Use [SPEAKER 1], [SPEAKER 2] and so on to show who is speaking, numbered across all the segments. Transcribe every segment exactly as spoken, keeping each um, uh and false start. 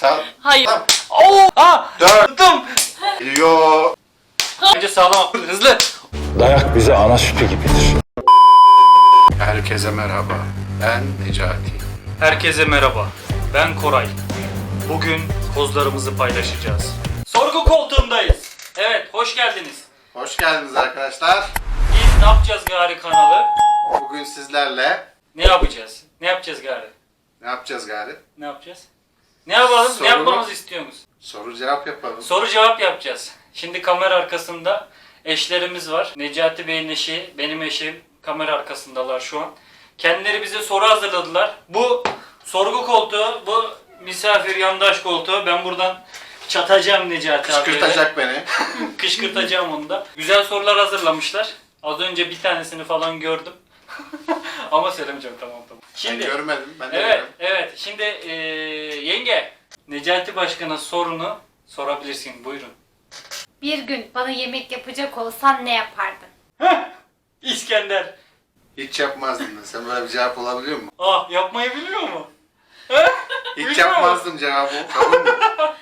[SPEAKER 1] Sağ.
[SPEAKER 2] Hayır.
[SPEAKER 1] Tamam.
[SPEAKER 2] Oo! Ha!
[SPEAKER 1] Dört.
[SPEAKER 2] Tuttum.
[SPEAKER 1] Geliyor.
[SPEAKER 2] Önce sağlam, hızlı.
[SPEAKER 3] Dayak bize ana sütü gibidir.
[SPEAKER 1] Herkese merhaba. Ben Necati.
[SPEAKER 2] Herkese merhaba. Ben Koray. Bugün kozlarımızı paylaşacağız. Sorgu koltuğundayız. Evet, hoş geldiniz.
[SPEAKER 1] Hoş geldiniz arkadaşlar.
[SPEAKER 2] Biz ne yapacağız gari kanalı?
[SPEAKER 1] Bugün sizlerle
[SPEAKER 2] Ne yapacağız? Ne yapacağız gari?
[SPEAKER 1] ne yapacağız gari?
[SPEAKER 2] Ne yapacağız? Ne yapalım?
[SPEAKER 1] Soru-
[SPEAKER 2] Ne yapmamızı istiyorsunuz?
[SPEAKER 1] Soru cevap yapalım.
[SPEAKER 2] Soru cevap yapacağız. Şimdi kamera arkasında eşlerimiz var. Necati Bey'in eşi, benim eşim kamera arkasındalar şu an. Kendileri bize soru hazırladılar. Bu sorgu koltuğu, bu misafir yandaş koltuğu. Ben buradan çatacağım Necati abiye.
[SPEAKER 1] Kışkırtacak beni.
[SPEAKER 2] Kışkırtacağım onu da. Güzel sorular hazırlamışlar. Az önce bir tanesini falan gördüm. Ama söylemeyeceğim, tamam tamam.
[SPEAKER 1] Şimdi, ben görmedim. Ben de
[SPEAKER 2] Evet,
[SPEAKER 1] görmedim.
[SPEAKER 2] evet. Şimdi eee, yenge, Necati Başkan'a sorunu sorabilirsin. Buyurun.
[SPEAKER 4] Bir gün bana yemek yapacak olsan ne yapardın?
[SPEAKER 2] İskender.
[SPEAKER 1] Hiç yapmazdım ben. Sen böyle bir cevap olabiliyor mu?
[SPEAKER 2] Ah, yapmayı biliyor mu?
[SPEAKER 1] Hiç
[SPEAKER 2] Bilmiyorum.
[SPEAKER 1] yapmazdım cevabı. Kabul mü?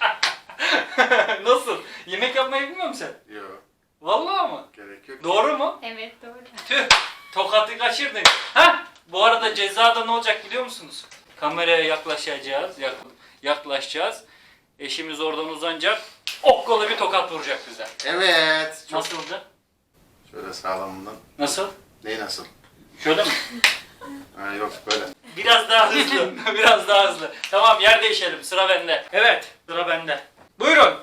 [SPEAKER 2] Nasıl? Yemek yapmayı bilmiyor musun sen?
[SPEAKER 1] Yok.
[SPEAKER 2] Vallahi mı?
[SPEAKER 1] Gerek yok.
[SPEAKER 2] Doğru mu?
[SPEAKER 4] Evet doğru.
[SPEAKER 2] Tüh, tokatı kaçırdın. Hah, bu arada cezada ne olacak biliyor musunuz? Kameraya yaklaşacağız, yak- yaklaşacağız. Eşimiz oradan uzanacak, okkolu bir tokat vuracak bize.
[SPEAKER 1] Evet. Çok...
[SPEAKER 2] Nasıldı?
[SPEAKER 1] Şöyle sağlamından.
[SPEAKER 2] Nasıl?
[SPEAKER 1] Neyi nasıl?
[SPEAKER 2] Şöyle mi?
[SPEAKER 1] Ha yok böyle.
[SPEAKER 2] Biraz daha hızlı, biraz daha hızlı. Tamam, yer değişelim, sıra bende. Evet, sıra bende. Buyurun.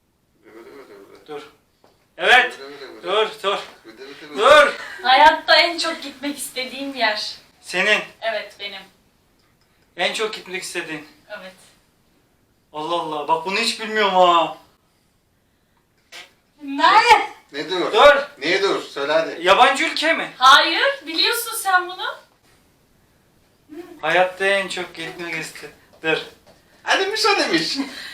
[SPEAKER 2] Dur. Evet, dur, dur, dur.
[SPEAKER 5] Hayatta en çok gitmek istediğim yer.
[SPEAKER 2] Senin
[SPEAKER 5] Evet benim.
[SPEAKER 2] en çok gitmek istediğin.
[SPEAKER 5] Evet.
[SPEAKER 2] Allah Allah, bak bunu hiç bilmiyorum ha.
[SPEAKER 5] Nerede?
[SPEAKER 1] Ne dur?
[SPEAKER 2] Dur.
[SPEAKER 1] Niye dur? Söyle hadi.
[SPEAKER 2] Yabancı ülke mi?
[SPEAKER 5] Hayır. Biliyorsun sen bunu.
[SPEAKER 2] Hayatta en çok gitmek istedim. Dur.
[SPEAKER 1] Ha demiş o demiş.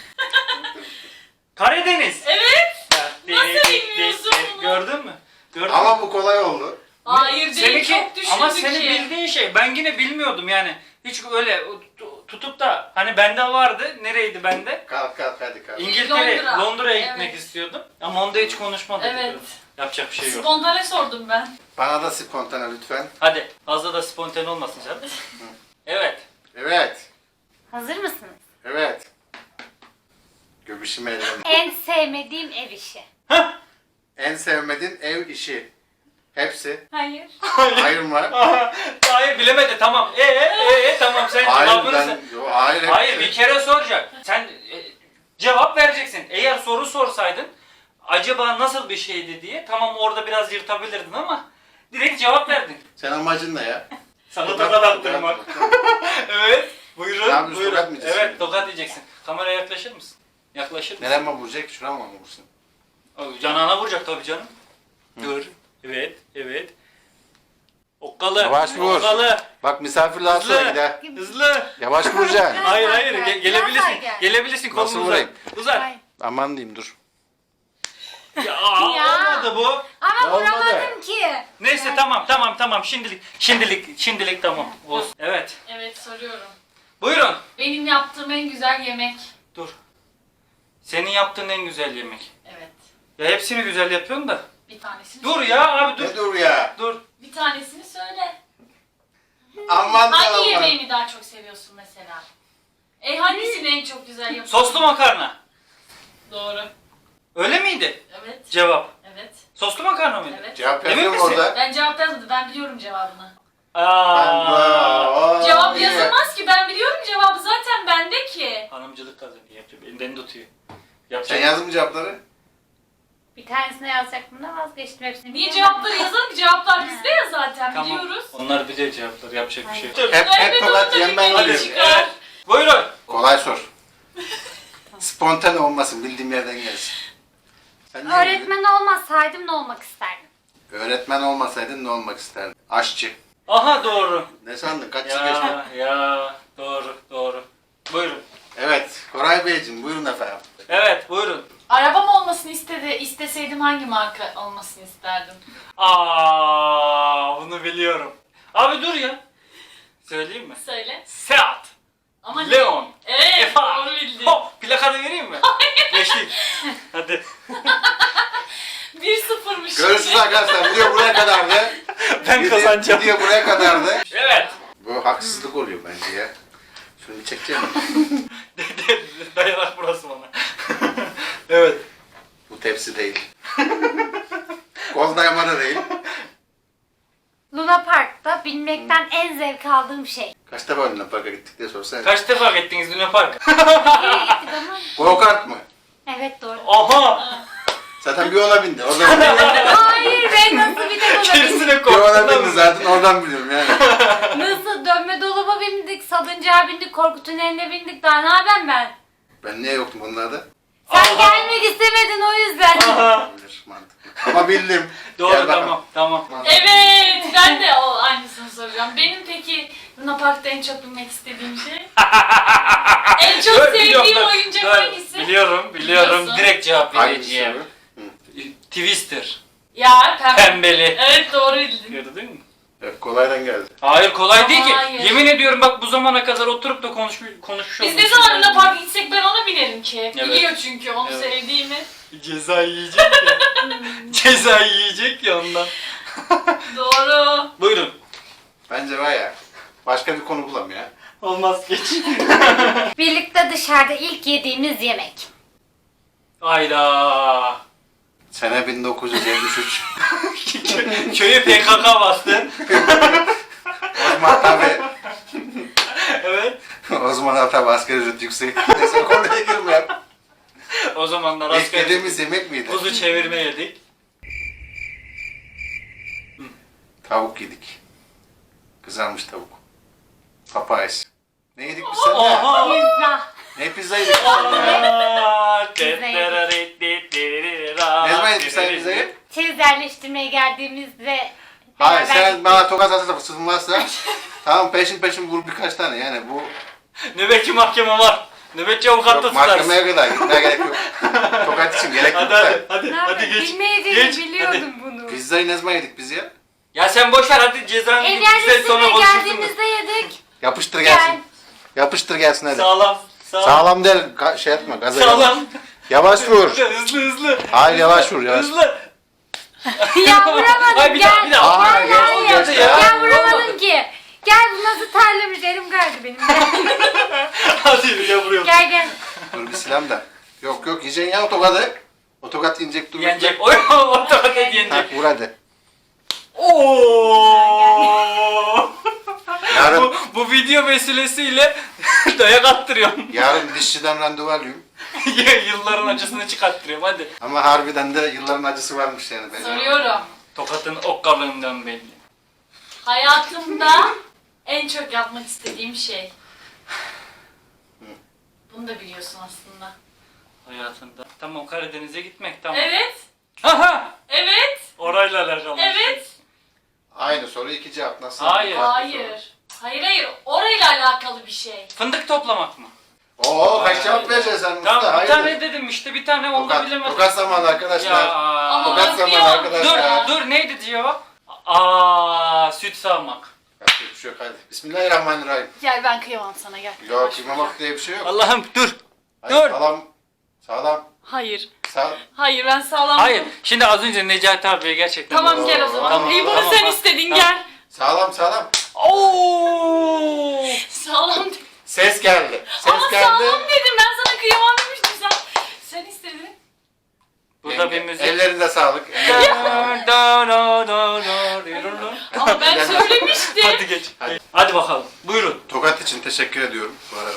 [SPEAKER 2] Karadeniz.
[SPEAKER 5] Evet. Nasıl
[SPEAKER 2] Değil,
[SPEAKER 5] bilmiyorsun
[SPEAKER 2] değil,
[SPEAKER 5] bunu?
[SPEAKER 2] Gördün mü? Gördün mü?
[SPEAKER 1] Ama bu kolay oldu.
[SPEAKER 5] Hayır değil.
[SPEAKER 2] Seninki-
[SPEAKER 5] Çok düşündük
[SPEAKER 2] ama senin
[SPEAKER 5] ki.
[SPEAKER 2] bildiğin şey, ben yine bilmiyordum yani. Hiç öyle tu- tutup da hani bende vardı. Nereydi bende?
[SPEAKER 1] Kalk kalk hadi kalk.
[SPEAKER 2] İngiltere,
[SPEAKER 5] Londra.
[SPEAKER 2] Londra'ya gitmek
[SPEAKER 5] Evet.
[SPEAKER 2] istiyordum. Ama onda hiç konuşmadık.
[SPEAKER 5] Evet.
[SPEAKER 2] Yapacak bir şey yok.
[SPEAKER 5] Spontane sordum ben.
[SPEAKER 1] Bana da spontane lütfen.
[SPEAKER 2] Hadi fazla da spontane olmasın sen. Evet.
[SPEAKER 1] Evet.
[SPEAKER 4] Hazır mısınız?
[SPEAKER 1] Evet. Göbüşüm eğlenim.
[SPEAKER 4] En sevmediğim ev işi.
[SPEAKER 1] En sevmediğin ev işi. Hepsi.
[SPEAKER 5] Hayır.
[SPEAKER 1] Hayır mı?
[SPEAKER 2] Hayır, bilemedi, tamam. Ee, ee, ee, tamam, sen
[SPEAKER 1] Hayır
[SPEAKER 2] cevabını
[SPEAKER 1] ben...
[SPEAKER 2] sen-
[SPEAKER 1] Yo, hayır. hepsi.
[SPEAKER 2] Hayır, bir kere soracak. Sen e, cevap vereceksin. Eğer soru sorsaydın acaba nasıl bir şeydi diye, tamam orada biraz yırtabilirdin ama direkt cevap verdin.
[SPEAKER 1] Sen amacın ne ya?
[SPEAKER 2] Sana
[SPEAKER 1] Tokat-
[SPEAKER 2] tokat attırmak. Evet. Buyurun.
[SPEAKER 1] Ne yapıyorsun,
[SPEAKER 2] buyurun.
[SPEAKER 1] tokat mı yiyeceksin?
[SPEAKER 2] Evet, tokat yiyeceksin. Kameraya yaklaşır mısın? Yaklaşır mısın?
[SPEAKER 1] Nereye mi vuracak? Şuraya mı vursun?
[SPEAKER 2] O, Canağına vuracak tabii canım. Dur. Evet, evet. Okkalı.
[SPEAKER 1] Yavaş vur.
[SPEAKER 2] Okkalı.
[SPEAKER 1] Bak misafirler sonra
[SPEAKER 2] Hızlı.
[SPEAKER 1] gider.
[SPEAKER 2] Hızlı.
[SPEAKER 1] Yavaş vuracaksın.
[SPEAKER 2] Hayır
[SPEAKER 4] daha
[SPEAKER 2] hayır,
[SPEAKER 4] gel,
[SPEAKER 2] ge-
[SPEAKER 4] biraz
[SPEAKER 2] gelebilirsin.
[SPEAKER 4] daha gel.
[SPEAKER 2] Gelebilirsin, kolunu
[SPEAKER 1] Nasıl
[SPEAKER 2] uzat.
[SPEAKER 1] vurayım?
[SPEAKER 2] Uzat.
[SPEAKER 4] Ay.
[SPEAKER 1] Aman diyeyim dur.
[SPEAKER 2] Ya, aa,
[SPEAKER 4] Ya.
[SPEAKER 2] olmadı bu.
[SPEAKER 4] Ama
[SPEAKER 1] Olmadı.
[SPEAKER 4] vuramadım ki.
[SPEAKER 2] Neyse tamam tamam tamam, şimdilik şimdilik şimdilik tamam olsun. Evet.
[SPEAKER 5] Evet soruyorum.
[SPEAKER 2] Buyurun.
[SPEAKER 5] Benim yaptığım en güzel yemek.
[SPEAKER 2] Dur. Senin yaptığın en güzel yemek.
[SPEAKER 5] Evet.
[SPEAKER 2] Ya hepsini güzel yapıyorsun da.
[SPEAKER 5] Bir tanesini
[SPEAKER 2] Dur
[SPEAKER 5] söyle.
[SPEAKER 2] ya abi, dur.
[SPEAKER 1] Ne dur ya?
[SPEAKER 2] Dur.
[SPEAKER 5] Bir tanesini söyle.
[SPEAKER 1] Aman da
[SPEAKER 5] Hangi
[SPEAKER 1] aman.
[SPEAKER 5] yemeğini daha çok seviyorsun mesela? E hangisini en çok güzel yapıyorsun?
[SPEAKER 2] Soslu makarna.
[SPEAKER 5] Doğru.
[SPEAKER 2] Öyle miydi
[SPEAKER 5] Evet.
[SPEAKER 2] cevap?
[SPEAKER 5] Evet.
[SPEAKER 2] Soslu makarna mıydı?
[SPEAKER 5] Evet.
[SPEAKER 1] Cevap
[SPEAKER 2] Emin
[SPEAKER 1] yazıyor mu
[SPEAKER 2] misin?
[SPEAKER 1] orada?
[SPEAKER 5] Ben cevap yazmadım. Ben biliyorum cevabını.
[SPEAKER 2] Aa.
[SPEAKER 1] Aa,
[SPEAKER 5] Cevap
[SPEAKER 1] iyi.
[SPEAKER 5] yazılmaz ki. Ben biliyorum cevabı. Zaten bende ki.
[SPEAKER 2] Hanımcılık kazanıyor. Yapacak. Elinden tutuyor.
[SPEAKER 1] Sen
[SPEAKER 2] Yapacak.
[SPEAKER 1] yazdın mı cevapları?
[SPEAKER 4] Bir tanesine yazacaktım da vazgeçtim hepsini.
[SPEAKER 5] Niye
[SPEAKER 4] bilemedim.
[SPEAKER 5] cevapları yazalım ki? Cevaplar bizde ya zaten.
[SPEAKER 2] Tamam.
[SPEAKER 5] Biliyoruz.
[SPEAKER 2] Onlar biliyor cevapları. Yapacak bir şey yok.
[SPEAKER 1] Hep hep
[SPEAKER 5] Evet,
[SPEAKER 1] tokat
[SPEAKER 5] onu da
[SPEAKER 1] yem ben
[SPEAKER 5] bilmeyi
[SPEAKER 1] geliyorum.
[SPEAKER 5] çıkar.
[SPEAKER 2] Evet. Buyurun.
[SPEAKER 1] Kolay sor. Spontane olmasın, bildiğim yerden gelsin. Sen ne
[SPEAKER 4] Öğretmen olmasaydım ne olmak isterdim?
[SPEAKER 1] diyordun? Öğretmen olmasaydın ne olmak isterdin? Aşçı.
[SPEAKER 2] Aha doğru.
[SPEAKER 1] Ne sandın? Kaç yıl geçti?
[SPEAKER 2] Ya ya doğru doğru. Buyurun.
[SPEAKER 1] Evet, Koray Beyciğim buyurun efendim.
[SPEAKER 2] Evet buyurun.
[SPEAKER 5] Arabam olmasını istedi, isteseydim hangi marka olmasını isterdim?
[SPEAKER 2] Aa bunu biliyorum. Abi dur ya. Söyleyeyim mi?
[SPEAKER 5] Söyle.
[SPEAKER 2] Seat.
[SPEAKER 5] Ama
[SPEAKER 2] Leon.
[SPEAKER 5] Evet,
[SPEAKER 2] Efa.
[SPEAKER 5] doğru bildin.
[SPEAKER 2] Hop.
[SPEAKER 1] Görüşürüz arkadaşlar. Video buraya kadardı.
[SPEAKER 2] Ben
[SPEAKER 1] Video-
[SPEAKER 2] kazanacağım.
[SPEAKER 1] Video buraya kadardı.
[SPEAKER 2] Evet.
[SPEAKER 1] Bu haksızlık oluyor bence ya. Şunu bir çekeceğim mi?
[SPEAKER 2] Dayanak burası bana. Evet.
[SPEAKER 1] Bu tepsi değil. Kol dayama da değil.
[SPEAKER 4] Luna Park'ta binmekten en zevk aldığım şey.
[SPEAKER 1] Kaç defa Luna Park'a gittik diye sorsan.
[SPEAKER 2] Kaç defa gittiniz Luna Park?
[SPEAKER 4] Nereye gittik ama?
[SPEAKER 1] Go kart mı?
[SPEAKER 4] Evet doğru.
[SPEAKER 2] Aha!
[SPEAKER 1] Zaten bir ona bindi. Oradan
[SPEAKER 4] Hayır ben nasıl bir tek ona bindim?
[SPEAKER 2] Gerisine
[SPEAKER 1] bir ona bindi
[SPEAKER 2] korktum.
[SPEAKER 1] zaten oradan biliyorum yani.
[SPEAKER 4] Nasıl dönme dolaba bindik, salıncağa bindik, korku tüneline bindik. Daha ne yapayım ben?
[SPEAKER 1] Ben niye yoktum bunlarda?
[SPEAKER 4] Sen
[SPEAKER 2] Aha.
[SPEAKER 4] gelmek istemedin o yüzden.
[SPEAKER 2] Aha!
[SPEAKER 1] Bilir mantıklı. Ama bildim.
[SPEAKER 2] Doğru
[SPEAKER 1] Gel bakalım.
[SPEAKER 2] tamam tamam.
[SPEAKER 5] Evet, ben de o aynısını soracağım. Benim peki Luna Park'ta en çok bilmek istediğim şey? En çok
[SPEAKER 2] Dur,
[SPEAKER 5] sevdiğim
[SPEAKER 2] biliyorum, dur,
[SPEAKER 5] oyuncak
[SPEAKER 2] dur.
[SPEAKER 5] hangisi?
[SPEAKER 2] Biliyorum biliyorum.
[SPEAKER 5] Biliyorsun.
[SPEAKER 2] Direkt cevap
[SPEAKER 1] Hangisi
[SPEAKER 2] vereceğim.
[SPEAKER 1] bu?
[SPEAKER 2] Twister.
[SPEAKER 5] Ya pembe.
[SPEAKER 2] Pembeli.
[SPEAKER 5] Evet doğru bildin.
[SPEAKER 2] Gördün mü?
[SPEAKER 1] Evet, kolaydan geldi.
[SPEAKER 2] Hayır kolay değil ki.
[SPEAKER 5] Hayır.
[SPEAKER 2] Yemin ediyorum bak bu zamana kadar oturup da konuşmuş konuşmuş
[SPEAKER 5] Biz ne zaman Luna Park'a gitsek ben ona binerim ki.
[SPEAKER 2] Evet.
[SPEAKER 5] Biliyor çünkü onu
[SPEAKER 2] Evet.
[SPEAKER 5] sevdiğimi.
[SPEAKER 2] Ceza yiyecek ya. Ceza yiyecek ya ondan.
[SPEAKER 5] Doğru.
[SPEAKER 2] Buyurun.
[SPEAKER 1] Bence var ya. Başka bir konu bulam ya.
[SPEAKER 2] Olmaz geç.
[SPEAKER 4] Birlikte dışarıda ilk yediğimiz yemek.
[SPEAKER 2] Hayda.
[SPEAKER 1] Sene bin dokuz yüz yetmiş üç.
[SPEAKER 2] Köyü P K K bastı.
[SPEAKER 1] Osman tabi.
[SPEAKER 2] Evet.
[SPEAKER 1] Osman tabi asgari ücret yüksek. Neyse konuya girmeyeyim.
[SPEAKER 2] O zamanlar
[SPEAKER 1] İlk
[SPEAKER 2] asgari
[SPEAKER 1] yediğimiz yemek miydi?
[SPEAKER 2] kuzu çevirme yedik.
[SPEAKER 1] Tavuk yedik. Kızarmış tavuk. Papayas. Ne yedik biz seninle?
[SPEAKER 2] Oha.
[SPEAKER 4] Pizza.
[SPEAKER 1] Ne pizza yedik biz seninle? Ne zaman yedik sen pizzayı?
[SPEAKER 4] Çeyiz yerleştirmeye geldiğimizde
[SPEAKER 1] Hayır
[SPEAKER 4] beraber
[SPEAKER 1] sen bana tokat atırsa sızmazsa tamam peşin peşin vur birkaç tane yani bu
[SPEAKER 2] Nöbetçi mahkeme var. Nöbetçi avukat da
[SPEAKER 1] yok,
[SPEAKER 2] tutarsın.
[SPEAKER 1] mahkemeye kadar gitmeye gerek yok. Tokat için gerek yok
[SPEAKER 2] Hadi
[SPEAKER 1] da.
[SPEAKER 2] hadi hadi,
[SPEAKER 4] Ne
[SPEAKER 2] hadi
[SPEAKER 4] yapayım?
[SPEAKER 2] geç.
[SPEAKER 4] Bilmeyeceğimi
[SPEAKER 2] Geç,
[SPEAKER 4] biliyordum bunu.
[SPEAKER 1] Pizzayı ne zaman yedik biz ya?
[SPEAKER 2] Ya sen boş ver hadi cezanı
[SPEAKER 4] Ev
[SPEAKER 2] git bize sonra
[SPEAKER 4] yerleştirmeye
[SPEAKER 2] konuşursun.
[SPEAKER 4] geldiğimizde yedik.
[SPEAKER 1] Yapıştır
[SPEAKER 4] Gel.
[SPEAKER 1] gelsin. Yapıştır gelsin hadi.
[SPEAKER 2] Sağlam. Sağlam.
[SPEAKER 1] Sağlam değil ka- şey etme gaza gelme.
[SPEAKER 2] Sağlam.
[SPEAKER 1] Yavaş vur.
[SPEAKER 2] Hızlı hızlı.
[SPEAKER 1] Hayır yavaş vur yavaş.
[SPEAKER 2] Hızlı.
[SPEAKER 4] Ya vuramadım
[SPEAKER 2] Ay bir
[SPEAKER 4] gel.
[SPEAKER 2] daha bir daha.
[SPEAKER 1] Aa,
[SPEAKER 4] Gel,
[SPEAKER 1] gel,
[SPEAKER 4] gel,
[SPEAKER 1] gel,
[SPEAKER 4] gel.
[SPEAKER 1] ya.
[SPEAKER 4] Ya vuramadım ki. Gel bu nasıl terlemiş elim kaydı benim.
[SPEAKER 2] Hadi bir de vuruyorum.
[SPEAKER 4] Gel gel.
[SPEAKER 1] Dur bir silam da. Yok yok yiyeceksin ya o tokadı. O tokat inecek dur.
[SPEAKER 2] Yenecek. Oy ortak et
[SPEAKER 1] Ha,
[SPEAKER 2] yenecek.
[SPEAKER 1] vur hadi.
[SPEAKER 2] Oo.
[SPEAKER 1] Yarın,
[SPEAKER 2] bu, bu video vesilesiyle dayak attırıyorum.
[SPEAKER 1] yarın dişçiden randevu alıyorum.
[SPEAKER 2] Yılların acısını çıkarttırıyorum hadi.
[SPEAKER 1] Ama harbiden de yılların acısı varmış yani. Benim.
[SPEAKER 5] Soruyorum.
[SPEAKER 2] Tokatın okkalığından belli.
[SPEAKER 5] Hayatımda en çok yapmak istediğim şey. Bunu da biliyorsun aslında.
[SPEAKER 2] Hayatında. Tamam Karadeniz'e gitmek tamam.
[SPEAKER 5] Evet.
[SPEAKER 2] Aha!
[SPEAKER 5] Evet.
[SPEAKER 2] Orayla alakalı.
[SPEAKER 5] Evet.
[SPEAKER 1] Aynı soru iki cevap nasıl?
[SPEAKER 2] Hayır.
[SPEAKER 5] Hayır. Hayır hayır. Orayla alakalı bir şey.
[SPEAKER 2] Fındık toplamak mı?
[SPEAKER 1] Oo kaç cevap vereceksin sen Mustafa?
[SPEAKER 2] Tamam bir
[SPEAKER 1] Hayır.
[SPEAKER 2] tane dedim işte bir tane onu da
[SPEAKER 1] Tokat,
[SPEAKER 2] bilemedim.
[SPEAKER 1] tokat zamanı arkadaşlar.
[SPEAKER 5] Ama
[SPEAKER 2] Ya.
[SPEAKER 1] Tokat
[SPEAKER 5] bak
[SPEAKER 1] zamanı
[SPEAKER 5] ya.
[SPEAKER 1] arkadaşlar.
[SPEAKER 2] Dur dur neydi cevap? Aa süt sağmak.
[SPEAKER 1] Yapacak bir şey yok hadi. Bismillahirrahmanirrahim.
[SPEAKER 5] Gel ben kıyamam sana gel.
[SPEAKER 1] Yok kıymamak diye bir şey yok.
[SPEAKER 2] Allah'ım dur.
[SPEAKER 1] Hayır,
[SPEAKER 2] dur.
[SPEAKER 1] Sağlam. Sağlam.
[SPEAKER 5] Hayır.
[SPEAKER 1] Sağ.
[SPEAKER 5] Hayır ben sağlam.
[SPEAKER 2] Hayır şimdi az önce Necati abiye gerçekten.
[SPEAKER 5] Tamam gel o zaman.
[SPEAKER 2] Tamam,
[SPEAKER 5] İyi bunu
[SPEAKER 2] tamam,
[SPEAKER 5] sen
[SPEAKER 2] tamam.
[SPEAKER 5] istedin
[SPEAKER 2] Tamam.
[SPEAKER 5] gel.
[SPEAKER 1] Sağlam sağlam.
[SPEAKER 2] Oo!
[SPEAKER 5] Sağlam.
[SPEAKER 1] Ses geldi. Ses
[SPEAKER 5] Ama
[SPEAKER 1] geldi.
[SPEAKER 5] sağlam dedim ben sana kıyamam demiştim sen. Sen istedin.
[SPEAKER 2] Burada bir
[SPEAKER 1] Yenge,
[SPEAKER 2] müzik.
[SPEAKER 1] Ellerinde sağlık.
[SPEAKER 2] Da, da, da, da, da,
[SPEAKER 5] Ama ben söylemiştim.
[SPEAKER 2] Hadi geç.
[SPEAKER 1] Hadi.
[SPEAKER 2] Hadi bakalım. Buyurun.
[SPEAKER 1] Tokat için teşekkür ediyorum bu arada.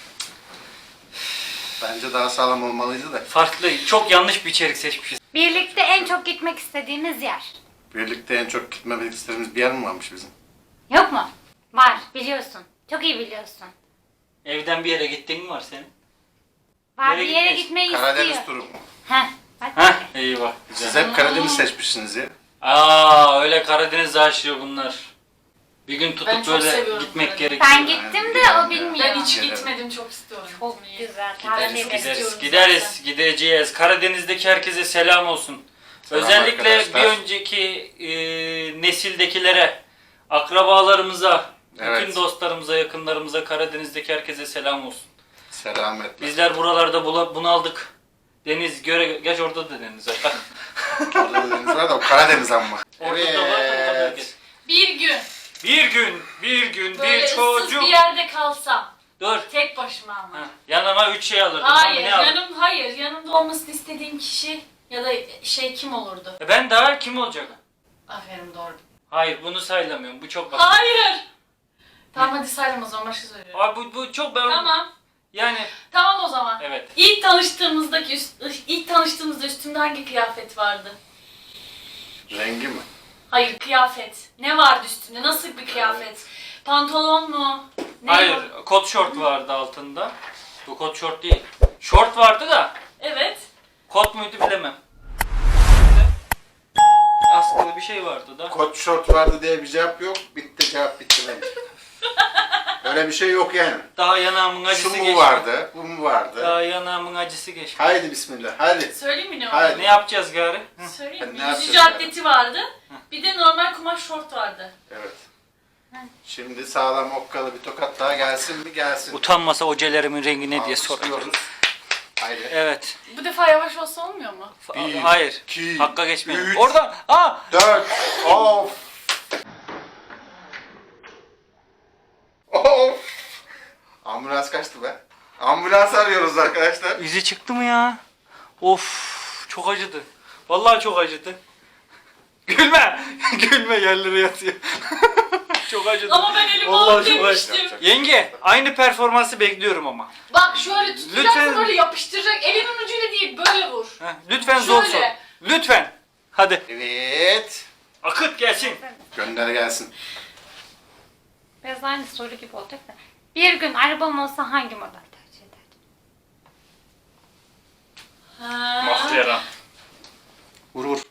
[SPEAKER 1] Bence daha sağlam olmalıydı da.
[SPEAKER 2] Farklı, çok yanlış bir içerik seçmişiz.
[SPEAKER 4] Birlikte en çok gitmek istediğimiz yer.
[SPEAKER 1] Birlikte en çok gitmemek istediğimiz bir yer mi varmış bizim?
[SPEAKER 4] Yok mu? Var biliyorsun. Çok iyi biliyorsun.
[SPEAKER 2] Evden bir yere gittin mi var senin?
[SPEAKER 4] Var
[SPEAKER 2] Nereye
[SPEAKER 4] bir yere
[SPEAKER 2] gitmek?
[SPEAKER 4] gitmeyi
[SPEAKER 1] Karadeniz
[SPEAKER 4] istiyor.
[SPEAKER 1] turu mu?
[SPEAKER 4] Heh. Bak.
[SPEAKER 2] Heh, eyvah. Güzel.
[SPEAKER 1] Siz hep Karadeniz seçmişsiniz ya.
[SPEAKER 2] Aa, öyle Karadeniz aşığı bunlar. Bir gün
[SPEAKER 5] Ben
[SPEAKER 2] tutup
[SPEAKER 5] çok
[SPEAKER 2] böyle
[SPEAKER 5] seviyorum
[SPEAKER 2] gitmek
[SPEAKER 5] Karadeniz.
[SPEAKER 2] gerekiyor.
[SPEAKER 4] Ben gittim de o bilmiyor.
[SPEAKER 5] Ben hiç
[SPEAKER 1] Gelelim.
[SPEAKER 5] gitmedim çok istiyorum.
[SPEAKER 4] Çok
[SPEAKER 5] gitmeyi.
[SPEAKER 4] güzel.
[SPEAKER 2] Gideriz,
[SPEAKER 4] Tavsiye ederim.
[SPEAKER 2] gideriz,
[SPEAKER 5] istiyorum
[SPEAKER 2] gideriz,
[SPEAKER 5] zaten.
[SPEAKER 2] gideceğiz. Karadeniz'deki herkese selam olsun.
[SPEAKER 1] Selam
[SPEAKER 2] Özellikle
[SPEAKER 1] arkadaşlar.
[SPEAKER 2] bir önceki e, nesildekilere, akrabalarımıza,
[SPEAKER 1] Evet.
[SPEAKER 2] bütün dostlarımıza, yakınlarımıza, Karadeniz'deki herkese selam olsun.
[SPEAKER 1] Selametle.
[SPEAKER 2] Bizler buralarda bula- bunaldık. Deniz göre, geç orada da deniz var.
[SPEAKER 1] Orada da deniz var da o Karadeniz ama.
[SPEAKER 2] Orada da var, orada da bölgesi.
[SPEAKER 5] Bir gün
[SPEAKER 2] Bir gün, bir gün
[SPEAKER 5] böyle
[SPEAKER 2] bir
[SPEAKER 5] ıssız
[SPEAKER 2] çocuk.
[SPEAKER 5] bir yerde kalsam.
[SPEAKER 2] Dur.
[SPEAKER 5] Tek başıma ama.
[SPEAKER 2] Heh, yanıma üç şey alırdım.
[SPEAKER 5] Hayır,
[SPEAKER 2] Tamam, ne alırdım?
[SPEAKER 5] yanım hayır. Yanımda olmasını istediğim kişi ya da şey kim olurdu?
[SPEAKER 2] E ben daha kim olacak?
[SPEAKER 5] Aferin doğru.
[SPEAKER 2] Hayır, bunu saylamıyorum. Bu çok basit.
[SPEAKER 5] Hayır. Tamam hadi saylama o zaman başka söylüyorum.
[SPEAKER 2] Abi bu, bu çok ben...
[SPEAKER 5] Tamam.
[SPEAKER 2] Yani
[SPEAKER 5] Tamam o zaman.
[SPEAKER 2] evet.
[SPEAKER 5] İlk tanıştığımızdaki üst, ilk tanıştığımızda üstümde hangi kıyafet vardı?
[SPEAKER 1] Rengi mi?
[SPEAKER 5] Hayır kıyafet. Ne vardı üstünde? Nasıl bir kıyafet? Pantolon mu? Ne
[SPEAKER 2] Hayır,
[SPEAKER 5] var?
[SPEAKER 2] kot şort vardı altında. Bu kot şort değil. Şort vardı da
[SPEAKER 5] Evet.
[SPEAKER 2] kot muydu bilemem. Askılı bir şey vardı da.
[SPEAKER 1] Kot şort vardı diye bir cevap yok. Bitti cevap bitti bence. Öyle bir şey yok yani.
[SPEAKER 2] Daha yanağımın acısı
[SPEAKER 1] Şu mu
[SPEAKER 2] geçti.
[SPEAKER 1] vardı, bu mu vardı?
[SPEAKER 2] Daha yanağımın acısı geçti.
[SPEAKER 1] Haydi bismillah, hadi.
[SPEAKER 5] Söyleyeyim mi ne
[SPEAKER 1] Hayır.
[SPEAKER 5] vardı?
[SPEAKER 2] Ne yapacağız gari? Hı.
[SPEAKER 5] Söyleyeyim mi?
[SPEAKER 1] Ne
[SPEAKER 5] Yüzücü
[SPEAKER 1] yapacağız
[SPEAKER 5] atleti vardı. Bir de normal kumaş şort vardı.
[SPEAKER 1] Evet. Şimdi sağlam okkalı bir tokat daha gelsin mi? Gelsin.
[SPEAKER 2] Utanmasa hocalarımın rengi ne diye soruyoruz.
[SPEAKER 1] Alkışlıyoruz. Haydi.
[SPEAKER 2] Evet.
[SPEAKER 5] Bu defa yavaş olsa olmuyor mu?
[SPEAKER 1] Bir,
[SPEAKER 2] Hayır.
[SPEAKER 1] iki,
[SPEAKER 2] Hakka geçmeyin.
[SPEAKER 1] üç.
[SPEAKER 2] Oradan. Aa!
[SPEAKER 1] Dört. Of. Of. Ambulans kaçtı be. Ambulans arıyoruz arkadaşlar.
[SPEAKER 2] İzi çıktı mı ya? Of, çok acıdı. Vallahi çok acıdı. Gülme. Gülme, yerlere yatıyor. Çok acıdı.
[SPEAKER 5] Ama ben elimi
[SPEAKER 2] Vallahi
[SPEAKER 5] alıp
[SPEAKER 2] çok
[SPEAKER 5] demiştim.
[SPEAKER 2] acıdı. Yenge, aynı performansı bekliyorum ama.
[SPEAKER 5] Bak şöyle tutacaksın
[SPEAKER 2] Lütfen.
[SPEAKER 5] böyle yapıştıracak. Elimin ucuyla değil böyle vur.
[SPEAKER 2] Heh, lütfen zor sor.
[SPEAKER 5] Şöyle.
[SPEAKER 2] Lütfen. Hadi.
[SPEAKER 1] Evet.
[SPEAKER 2] Akıt gelsin.
[SPEAKER 1] Gönder gelsin.
[SPEAKER 4] Biraz aynı soru gibi olacak da. Bir gün arabam olsa hangi model tercih ederdin?
[SPEAKER 5] Ha.
[SPEAKER 2] Mahtera.
[SPEAKER 1] Vur vur.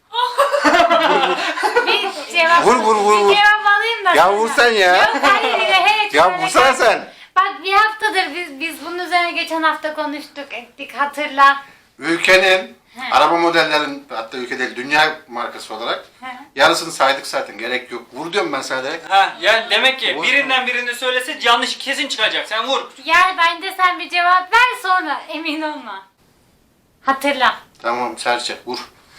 [SPEAKER 4] Bir cevap,
[SPEAKER 1] Vur, vur, vur, vur.
[SPEAKER 4] Bir cevap alayım da.
[SPEAKER 1] Ya
[SPEAKER 4] sonra.
[SPEAKER 1] vur sen ya.
[SPEAKER 4] Yok hayır evet.
[SPEAKER 1] Ya
[SPEAKER 4] şöyle
[SPEAKER 1] vursana
[SPEAKER 4] gel.
[SPEAKER 1] sen.
[SPEAKER 4] Bak bir haftadır biz biz bunun üzerine geçen hafta konuştuk ettik hatırla.
[SPEAKER 1] Ülkenin
[SPEAKER 4] He.
[SPEAKER 1] araba modellerin, hatta ülke değil dünya markası olarak
[SPEAKER 4] He.
[SPEAKER 1] yarısını saydık zaten, gerek yok. Vur diyorum ben sana direkt.
[SPEAKER 2] Ha, yani demek ki
[SPEAKER 1] Vur.
[SPEAKER 2] birinden birini söylese yanlış kesin çıkacak. Sen vur.
[SPEAKER 4] Gel bence sen bir cevap ver sonra emin olma. Hatırla.
[SPEAKER 1] Tamam serçe vur.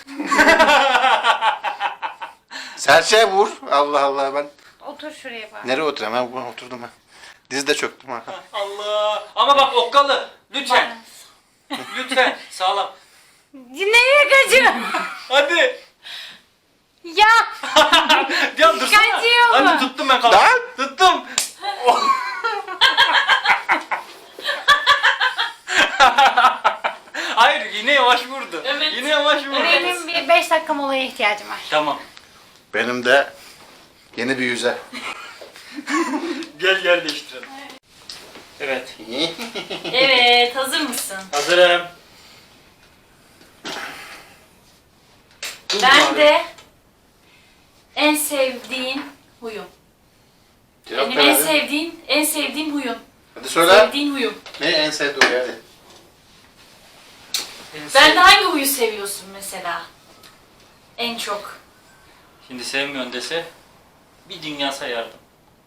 [SPEAKER 1] Serçe vur. Allah Allah, ben
[SPEAKER 4] Otur şuraya bak.
[SPEAKER 1] nereye oturayım? Ben buna oturdum ha. Diz de çöktüm ha.
[SPEAKER 2] Allah. Ama bak okkalı. Lütfen. Lütfen. Sağlam.
[SPEAKER 4] Nereye kaçıyor?
[SPEAKER 2] Hadi.
[SPEAKER 4] Ya
[SPEAKER 2] Ya dursana.
[SPEAKER 4] Kaçıyor mu?
[SPEAKER 2] Hadi tuttum ben kaldım.
[SPEAKER 1] Lan!
[SPEAKER 2] Tuttum. Hayır, yine yavaş vurdu.
[SPEAKER 5] Evet.
[SPEAKER 2] Yine yavaş vurdu.
[SPEAKER 4] benim bir beş dakika molaya ihtiyacım var.
[SPEAKER 2] Tamam.
[SPEAKER 1] Benim de yeni bir yüze.
[SPEAKER 2] Gel gel değiştirelim. Evet.
[SPEAKER 5] Evet hazır mısın?
[SPEAKER 2] Hazırım. Dur
[SPEAKER 5] Ben
[SPEAKER 2] bari.
[SPEAKER 5] de en sevdiğin huyum.
[SPEAKER 1] Cevap
[SPEAKER 5] Benim
[SPEAKER 1] ver
[SPEAKER 5] en
[SPEAKER 1] hadi.
[SPEAKER 5] sevdiğin, en sevdiğim huyum.
[SPEAKER 1] Hadi söyle.
[SPEAKER 5] Sevdiğin huyum.
[SPEAKER 1] Ne en sevdiğin hadi.
[SPEAKER 2] En
[SPEAKER 5] Ben
[SPEAKER 2] sev-
[SPEAKER 5] de hangi huyu seviyorsun mesela? En çok.
[SPEAKER 2] Şimdi sevmiyorsun dese bir dünya sayardım.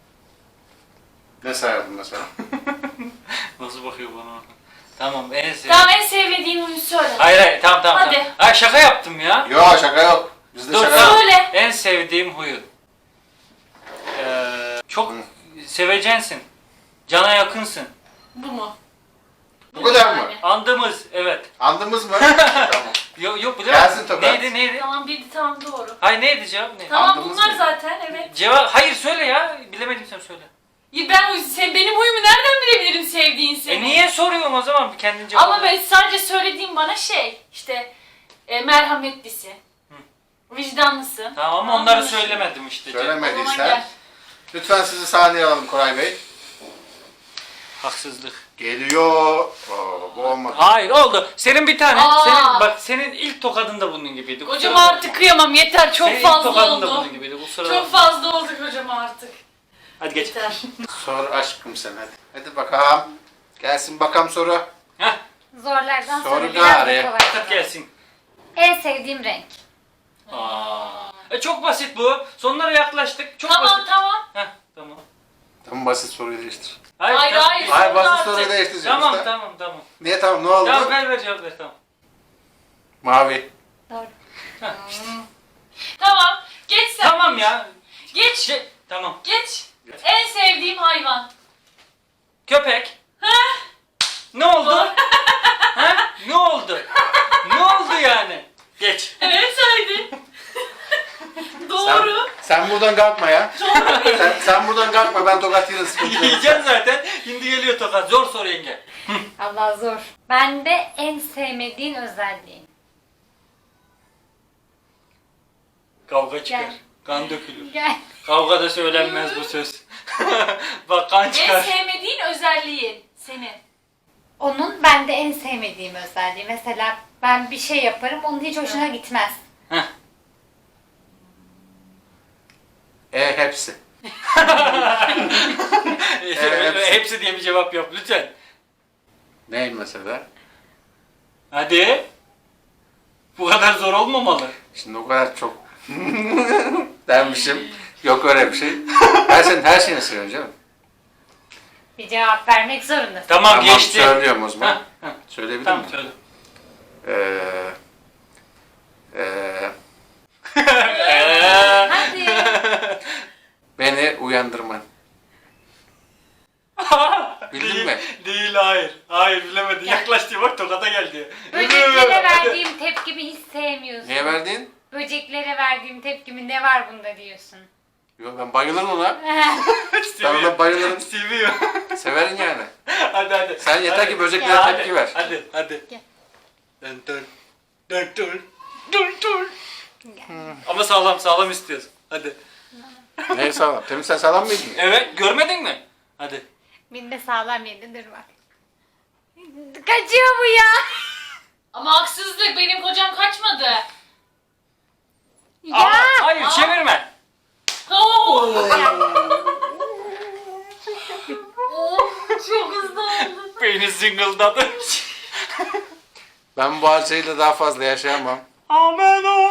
[SPEAKER 1] Ne sayardın mesela?
[SPEAKER 2] Nasıl bakıyor bana? Tamam, en sev...
[SPEAKER 5] Tamam en sevmediğin huyu söyle.
[SPEAKER 2] Hayır hayır, tamam tamam.
[SPEAKER 5] Hadi.
[SPEAKER 2] Tamam. Ha, şaka yaptım ya.
[SPEAKER 1] Yok şaka yok. Bizde
[SPEAKER 2] Dur,
[SPEAKER 1] şaka
[SPEAKER 2] tamam.
[SPEAKER 1] yok.
[SPEAKER 5] Söyle.
[SPEAKER 2] En sevdiğim huyun. Ee, çok
[SPEAKER 1] Hı.
[SPEAKER 2] sevecensin. Cana yakınsın.
[SPEAKER 5] Bu mu?
[SPEAKER 1] Bu kadar mı?
[SPEAKER 5] yani.
[SPEAKER 2] Andımız, evet.
[SPEAKER 1] Andımız mı? Tamam.
[SPEAKER 2] Yok yok bu da.
[SPEAKER 1] Gelsin tokat.
[SPEAKER 2] Neydi neydi?
[SPEAKER 5] Tamam bildi tamam doğru.
[SPEAKER 2] Hayır neydi cevap ne?
[SPEAKER 5] Tamam
[SPEAKER 1] Andımız
[SPEAKER 5] bunlar
[SPEAKER 1] mı?
[SPEAKER 5] zaten evet.
[SPEAKER 2] Cevap hayır söyle ya. Bilemedim, sen söyle.
[SPEAKER 5] Ya ben huy- sen benim huyumu nereden bilebilirim sevdiğin seni?
[SPEAKER 2] E niye soruyorum o zaman kendin cevap?
[SPEAKER 5] Ama ben sadece söylediğim bana şey işte e, merhametlisin. Vicdanlısın.
[SPEAKER 2] Tamam ama onları
[SPEAKER 5] Anlaşıldı.
[SPEAKER 2] söylemedim işte.
[SPEAKER 1] Söyleme.
[SPEAKER 5] O zaman
[SPEAKER 1] Demediysen.
[SPEAKER 5] gel.
[SPEAKER 1] Lütfen sizi sahneye alalım Koray Bey.
[SPEAKER 2] Haksızlık.
[SPEAKER 1] Geliyor. Oo, bu olmadı.
[SPEAKER 2] Hayır oldu. Senin bir tane.
[SPEAKER 5] Aa.
[SPEAKER 2] Senin bak senin ilk tokadın da bunun gibiydi. kusura
[SPEAKER 5] Kocama
[SPEAKER 2] bakma.
[SPEAKER 5] artık kıyamam yeter çok
[SPEAKER 2] Senin ilk
[SPEAKER 5] fazla
[SPEAKER 2] tokadın da
[SPEAKER 5] oldu.
[SPEAKER 2] bunun gibiydi. Kusura
[SPEAKER 5] Çok
[SPEAKER 2] bakma.
[SPEAKER 5] fazla oldu kocama artık.
[SPEAKER 2] Hadi geç.
[SPEAKER 5] Yeter.
[SPEAKER 1] Sor aşkım sen hadi. Hadi bakalım. Gelsin bakalım soru.
[SPEAKER 2] Heh.
[SPEAKER 4] Zorlardan
[SPEAKER 1] Soru
[SPEAKER 4] sonra biraz da
[SPEAKER 1] gari.
[SPEAKER 4] kolay.
[SPEAKER 2] Fakat gelsin.
[SPEAKER 4] En sevdiğim renk.
[SPEAKER 2] Aa. E çok basit bu. Sonlara yaklaştık. Çok
[SPEAKER 5] Tamam
[SPEAKER 2] basit.
[SPEAKER 5] tamam.
[SPEAKER 2] Heh, tamam.
[SPEAKER 1] Tamam, basit soruyu değiştir.
[SPEAKER 5] Hayır,
[SPEAKER 2] tamam.
[SPEAKER 5] hayır.
[SPEAKER 1] Hayır, basit
[SPEAKER 5] Artık.
[SPEAKER 1] soruyu değiştireceğiz
[SPEAKER 2] Tamam
[SPEAKER 1] usta.
[SPEAKER 2] tamam tamam.
[SPEAKER 1] Niye tamam, ne oldu?
[SPEAKER 2] Tamam ver ver cevap ver tamam.
[SPEAKER 1] Mavi.
[SPEAKER 4] Doğru.
[SPEAKER 5] Tamam. Geç sen.
[SPEAKER 2] Tamam ya.
[SPEAKER 5] Geç.
[SPEAKER 2] Şey, tamam.
[SPEAKER 5] Geç. En sevdiğim hayvan.
[SPEAKER 2] Köpek. Ne oldu? ha? Ne oldu? Ne oldu yani? Geç.
[SPEAKER 5] Evet haydi. Doğru.
[SPEAKER 1] Sen, sen buradan kalkma ya. sen, sen buradan kalkma, ben tokat yerim, sıkıntı yok.
[SPEAKER 2] Yiyeceksin zaten. Şimdi geliyor tokat. Zor soru yenge.
[SPEAKER 4] Allah zor. Bende en sevmediğin özelliğin.
[SPEAKER 2] Kavga çıkar.
[SPEAKER 4] Gel.
[SPEAKER 2] Kan dökülür.
[SPEAKER 4] Gel.
[SPEAKER 2] Kavgada söylenmez bu söz. Bak kan
[SPEAKER 5] En
[SPEAKER 2] çıkar.
[SPEAKER 5] sevmediğin özelliğin senin.
[SPEAKER 4] Onun bende en sevmediğim özelliği. Mesela ben bir şey yaparım, onun hiç hoşuna gitmez.
[SPEAKER 2] Heh.
[SPEAKER 1] E hepsi.
[SPEAKER 2] hepsi. hepsi diye bir cevap yap lütfen.
[SPEAKER 1] Ney mesela?
[SPEAKER 2] Hadi. Bu kadar zor olmamalı.
[SPEAKER 1] Şimdi o kadar çok dermişim. Yok öyle bir şey. Her şeyin her şeyini seviyorum canım.
[SPEAKER 4] Bir cevap vermek zorundasın.
[SPEAKER 2] Tamam,
[SPEAKER 1] Tamam,
[SPEAKER 2] geçti.
[SPEAKER 1] söylüyorum o zaman.
[SPEAKER 2] Heh, heh.
[SPEAKER 1] Söyleyebilir
[SPEAKER 2] Tamam
[SPEAKER 1] miyim?
[SPEAKER 2] söyle.
[SPEAKER 1] Eee... Eee...
[SPEAKER 2] Eee.
[SPEAKER 4] Hadi.
[SPEAKER 1] Beni uyandırman. Bildin
[SPEAKER 2] değil,
[SPEAKER 1] mi?
[SPEAKER 2] Değil, hayır. Hayır bilemedin. Yaklaştı bak tokata geldi.
[SPEAKER 4] Böceklere verdiğim tepkimi hiç sevmiyorsun.
[SPEAKER 1] Niye verdin?
[SPEAKER 4] Böceklere verdiğim tepkimi ne var bunda diyorsun.
[SPEAKER 1] Yok, ben bayılırım ona. Ben
[SPEAKER 2] Seviyor.
[SPEAKER 1] ona bayılırım.
[SPEAKER 2] Seviyor.
[SPEAKER 1] Severim yani.
[SPEAKER 2] hadi hadi.
[SPEAKER 1] Sen yeter
[SPEAKER 2] Hadi.
[SPEAKER 1] ki böceklere
[SPEAKER 2] Hadi,
[SPEAKER 1] tepki ver.
[SPEAKER 2] Hadi hadi.
[SPEAKER 4] Gel.
[SPEAKER 2] Dön dön. Dön dön. Dön dön. Ama sağlam sağlam istiyorsun. Hadi.
[SPEAKER 1] Neyi sağlam? Temiz, sen sağlam mıydın?
[SPEAKER 2] Evet, görmedin mi? Hadi.
[SPEAKER 4] Bir de sağlam yedi, dur bak. Kaçıyor bu ya.
[SPEAKER 5] Ama haksızlık, benim kocam kaçmadı.
[SPEAKER 4] Ya.
[SPEAKER 2] Aa, hayır çevirme.
[SPEAKER 5] Oo. Oh, çok hızlı oldu.
[SPEAKER 2] Beyni zıngıldadı.
[SPEAKER 1] Ben bu acıyla daha fazla yaşayamam.
[SPEAKER 2] Amen o.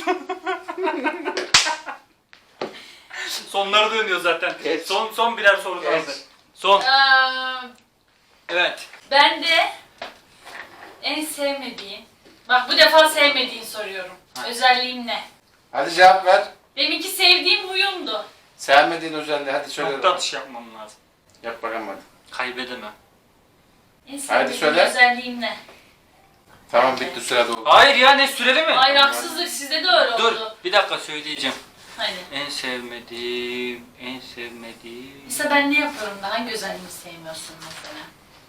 [SPEAKER 2] Sonları dönüyor zaten.
[SPEAKER 1] Geç.
[SPEAKER 2] Son son birer soru kaldı.
[SPEAKER 1] Geç.
[SPEAKER 2] Son.
[SPEAKER 5] Ee,
[SPEAKER 2] Evet.
[SPEAKER 5] ben de en sevmediğin, bak bu defa sevmediğin soruyorum. Özelliğin ne?
[SPEAKER 1] Hadi cevap ver.
[SPEAKER 5] Deminki sevdiğim huyumdu.
[SPEAKER 1] Sevmediğin özelliği hadi söyle.
[SPEAKER 2] Nokta atışı yapmam lazım.
[SPEAKER 1] Yap bakalım hadi.
[SPEAKER 2] Kaybedemem.
[SPEAKER 5] En sevdiğin
[SPEAKER 1] söyle.
[SPEAKER 5] özelliğin ne?
[SPEAKER 1] Tamam, bitti, süre doldu.
[SPEAKER 2] Hayır ya, ne süreli mi?
[SPEAKER 5] Hayır, haksızlık, sizde de öyle
[SPEAKER 2] Dur
[SPEAKER 5] oldu.
[SPEAKER 2] bir dakika söyleyeceğim.
[SPEAKER 5] Hadi.
[SPEAKER 2] En sevmediğim, en sevmediğim.
[SPEAKER 5] Mesela ben ne yapıyorum da hangi özelliğimi sevmiyorsun mesela?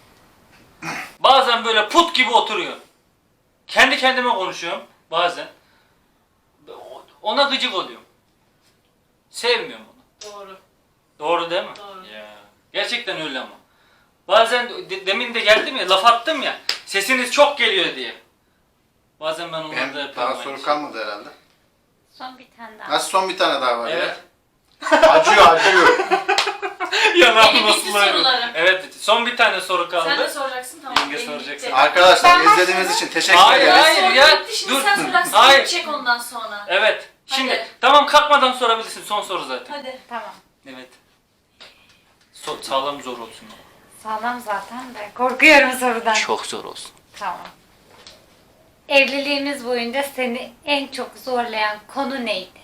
[SPEAKER 2] Bazen böyle put gibi oturuyor. Kendi kendime konuşuyorum bazen. Ona gıcık oluyorum. Sevmiyorum onu.
[SPEAKER 5] Doğru.
[SPEAKER 2] Doğru değil mi?
[SPEAKER 5] Doğru.
[SPEAKER 2] Ya. Gerçekten öyle ama. Bazen de- demin de geldim ya, laf attım ya. Sesiniz çok geliyor diye. Bazen ben onları da
[SPEAKER 1] Benim
[SPEAKER 2] yapıyorum.
[SPEAKER 1] daha
[SPEAKER 2] aynı
[SPEAKER 1] soru
[SPEAKER 2] şeyi.
[SPEAKER 1] kalmadı herhalde.
[SPEAKER 4] Son bir tane daha.
[SPEAKER 1] Nasıl, son bir tane daha var
[SPEAKER 2] Evet.
[SPEAKER 1] ya? Acıyor, acıyor.
[SPEAKER 2] Yanağım
[SPEAKER 5] Benim
[SPEAKER 2] nasıl
[SPEAKER 5] bitti
[SPEAKER 2] ağrıyor?
[SPEAKER 5] sorularım.
[SPEAKER 2] Evet, son bir tane soru kaldı.
[SPEAKER 5] Sen de soracaksın, tamam.
[SPEAKER 2] Yenge
[SPEAKER 5] benim
[SPEAKER 2] soracaksın.
[SPEAKER 5] bitti.
[SPEAKER 1] Arkadaşlar,
[SPEAKER 4] Ben
[SPEAKER 1] izlediğiniz için teşekkür
[SPEAKER 2] Hayır,
[SPEAKER 1] ederiz.
[SPEAKER 2] hayır.
[SPEAKER 5] Soru
[SPEAKER 2] ya,
[SPEAKER 5] bitti, şimdi
[SPEAKER 2] dur.
[SPEAKER 5] sen soracaksın.
[SPEAKER 2] Hayır.
[SPEAKER 5] Çek ondan sonra.
[SPEAKER 2] Evet. Şimdi
[SPEAKER 5] Hadi.
[SPEAKER 2] tamam, kalkmadan sorabilirsin. Son soru zaten.
[SPEAKER 5] Hadi.
[SPEAKER 4] Tamam.
[SPEAKER 2] Evet. So- sağlam zor olsun.
[SPEAKER 4] Sağlam zaten de. Korkuyorum sorudan.
[SPEAKER 2] Çok zor olsun.
[SPEAKER 4] Tamam. Evliliğimiz boyunca seni en çok zorlayan konu neydi?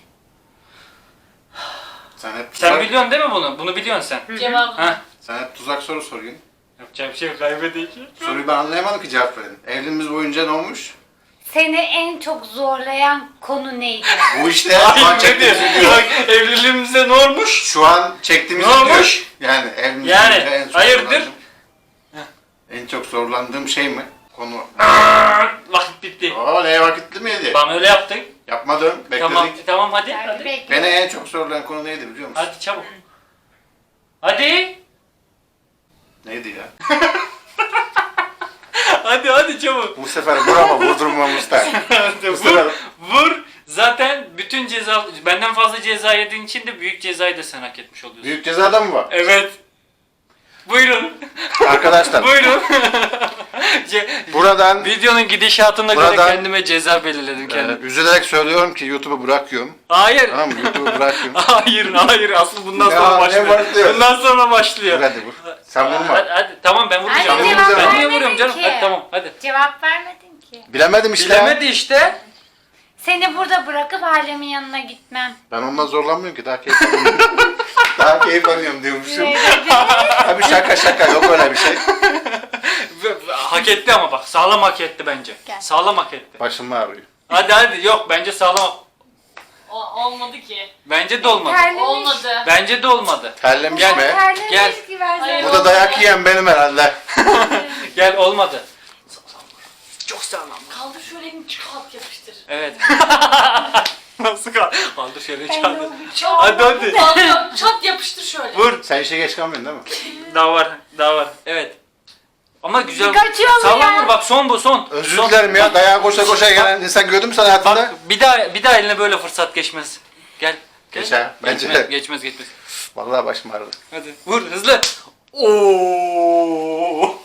[SPEAKER 1] Sen hep
[SPEAKER 2] Sen
[SPEAKER 1] tuzak,
[SPEAKER 2] biliyorsun değil mi bunu? Bunu biliyorsun sen.
[SPEAKER 5] Cevabını.
[SPEAKER 2] Ha?
[SPEAKER 1] sen hep tuzak soru soruyorsun.
[SPEAKER 2] Yapacağım bir şey yok, kaybedeceğim.
[SPEAKER 1] Soruyu ben anlayamadım ki, cevap verin. Evliliğimiz boyunca ne olmuş?
[SPEAKER 4] Seni en çok zorlayan konu neydi?
[SPEAKER 1] Bu işte şu an
[SPEAKER 2] Hayır, ne
[SPEAKER 1] çektiğimiz
[SPEAKER 2] diyor?
[SPEAKER 1] video.
[SPEAKER 2] Bak, evliliğimizde ne olmuş?
[SPEAKER 1] Şu an çektiğimiz
[SPEAKER 2] Ne
[SPEAKER 1] video.
[SPEAKER 2] olmuş?
[SPEAKER 1] Yani evliliğimizde
[SPEAKER 2] Yani,
[SPEAKER 1] en çok
[SPEAKER 2] hayırdır?
[SPEAKER 1] zorlandığım- En çok zorlandığım şey mi? Konu.
[SPEAKER 2] Vakit bitti.
[SPEAKER 1] Oo, neye vakitli miydi?
[SPEAKER 2] Bana öyle yaptık.
[SPEAKER 1] Yapmadım, bekledik.
[SPEAKER 2] Tamam, tamam hadi.
[SPEAKER 4] Yani
[SPEAKER 2] Hadi.
[SPEAKER 4] bekle.
[SPEAKER 1] Beni en çok zorlayan konu neydi biliyor musun?
[SPEAKER 2] Hadi çabuk. Hadi.
[SPEAKER 1] Neydi ya?
[SPEAKER 2] Hadi hadi çabuk.
[SPEAKER 1] Bu sefer vur ama vurdurmamız da. Bu sefer
[SPEAKER 2] vur, vur. Zaten bütün ceza, benden fazla ceza yediğin için de büyük cezayı da sen hak etmiş oluyorsun.
[SPEAKER 1] büyük cezada mı var?
[SPEAKER 2] Evet. Buyurun.
[SPEAKER 1] Arkadaşlar
[SPEAKER 2] Buyurun. Ce-
[SPEAKER 1] buradan
[SPEAKER 2] Videonun gidişatına göre
[SPEAKER 1] Buradan-
[SPEAKER 2] kendime ceza belirledim
[SPEAKER 1] e,
[SPEAKER 2] kendim.
[SPEAKER 1] üzülerek söylüyorum ki YouTube'u bırakıyorum.
[SPEAKER 2] Hayır.
[SPEAKER 1] Tamam mı? YouTube'u bırakıyorum.
[SPEAKER 2] Hayır, hayır. Aslı bundan
[SPEAKER 1] Ya,
[SPEAKER 2] sonra
[SPEAKER 1] ne
[SPEAKER 2] başlıyor.
[SPEAKER 1] başlıyor?
[SPEAKER 2] Bundan sonra başlıyor.
[SPEAKER 1] Dur hadi vur. Sen vurma.
[SPEAKER 2] Hadi, hadi. Tamam ben vuracağım.
[SPEAKER 4] Hadi
[SPEAKER 1] cevap
[SPEAKER 2] Ben niye
[SPEAKER 4] vermedin
[SPEAKER 2] vuruyorum canım?
[SPEAKER 4] ki.
[SPEAKER 2] Hadi tamam hadi.
[SPEAKER 4] Cevap vermedin ki.
[SPEAKER 1] Bilemedim işte.
[SPEAKER 2] Bilemedi işte.
[SPEAKER 4] Seni burada bırakıp ailemin yanına gitmem.
[SPEAKER 1] Ben ondan zorlanmıyorum ki daha keyif alıyorum. Daha keyif alıyorum diyormuşum.
[SPEAKER 4] Ne dedin?
[SPEAKER 1] Tabii şaka şaka yok öyle bir şey.
[SPEAKER 2] Hak etti ama bak sağlam hak etti bence.
[SPEAKER 4] Gel.
[SPEAKER 2] Sağlam hak etti.
[SPEAKER 1] Başım ağrıyor.
[SPEAKER 2] Hadi hadi yok bence sağlam.
[SPEAKER 5] O, olmadı ki.
[SPEAKER 2] Bence de olmadı.
[SPEAKER 4] Terlemiş.
[SPEAKER 5] Olmadı.
[SPEAKER 2] Bence de olmadı.
[SPEAKER 1] Terlemiş
[SPEAKER 2] Gel.
[SPEAKER 1] mi?
[SPEAKER 4] Terlemiş
[SPEAKER 2] Gel.
[SPEAKER 4] ki versene.
[SPEAKER 5] Hayır.
[SPEAKER 1] Burada dayak yiyen benim herhalde.
[SPEAKER 2] Gel olmadı. Çok sağlam.
[SPEAKER 5] Kaldır şöyle elini çıkart yapıştır.
[SPEAKER 2] Evet. Nasıl kal? Kaldır şöyle çaldı.
[SPEAKER 5] Çat,
[SPEAKER 2] Hadi hadi.
[SPEAKER 5] kaldır, çat yapıştır şöyle.
[SPEAKER 2] Vur.
[SPEAKER 1] Sen işe geç kalmıyorsun değil mi?
[SPEAKER 2] Daha var. Daha var. Evet. Ama güzel.
[SPEAKER 4] Kaçıyor mu
[SPEAKER 2] Sağlam
[SPEAKER 4] ya?
[SPEAKER 2] vur bak son bu son.
[SPEAKER 1] Özür
[SPEAKER 2] Son.
[SPEAKER 1] dilerim ya. Dayağa koşa koşa gelen insan gördün mü sen hayatında?
[SPEAKER 2] Bak bir daha bir daha eline böyle fırsat geçmez. Gel. Gel.
[SPEAKER 1] Geçer, bence
[SPEAKER 2] geçmez,
[SPEAKER 1] de.
[SPEAKER 2] geçmez geçmez.
[SPEAKER 1] Vallahi başım ağrıdı.
[SPEAKER 2] Hadi vur hızlı. Oo.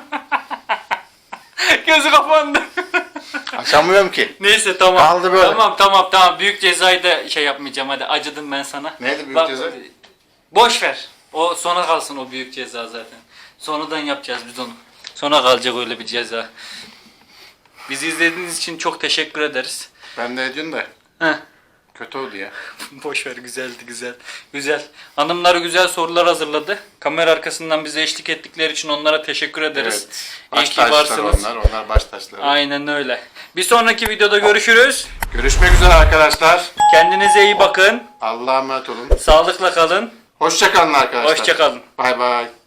[SPEAKER 2] Gözü kapandı.
[SPEAKER 1] Açamıyorum ki.
[SPEAKER 2] Neyse tamam.
[SPEAKER 1] Kaldı böyle.
[SPEAKER 2] Tamam tamam tamam. Büyük cezayı da şey yapmayacağım hadi. Acıdım ben sana.
[SPEAKER 1] Neydi büyük
[SPEAKER 2] Bak,
[SPEAKER 1] ceza?
[SPEAKER 2] Boş ver. O sona kalsın o büyük ceza zaten. Sonradan yapacağız biz onu. Sona kalacak öyle bir ceza. Bizi izlediğiniz için çok teşekkür ederiz.
[SPEAKER 1] Ben de ediyorum da
[SPEAKER 2] Heh.
[SPEAKER 1] kötü oldu ya.
[SPEAKER 2] Boş ver güzeldi güzel. Güzel. Hanımlar güzel sorular hazırladı. Kamera arkasından bize eşlik ettikleri için onlara teşekkür ederiz.
[SPEAKER 1] Evet.
[SPEAKER 2] İyi
[SPEAKER 1] Baş
[SPEAKER 2] ki
[SPEAKER 1] taşları
[SPEAKER 2] varsınız.
[SPEAKER 1] onlar. Onlar baş taşları.
[SPEAKER 2] Aynen öyle. Bir sonraki videoda görüşürüz.
[SPEAKER 1] Görüşmek üzere arkadaşlar.
[SPEAKER 2] Kendinize iyi bakın.
[SPEAKER 1] Allah'a emanet olun.
[SPEAKER 2] Sağlıkla kalın.
[SPEAKER 1] Hoşça kalın arkadaşlar.
[SPEAKER 2] Hoşça kalın.
[SPEAKER 1] Bay bay.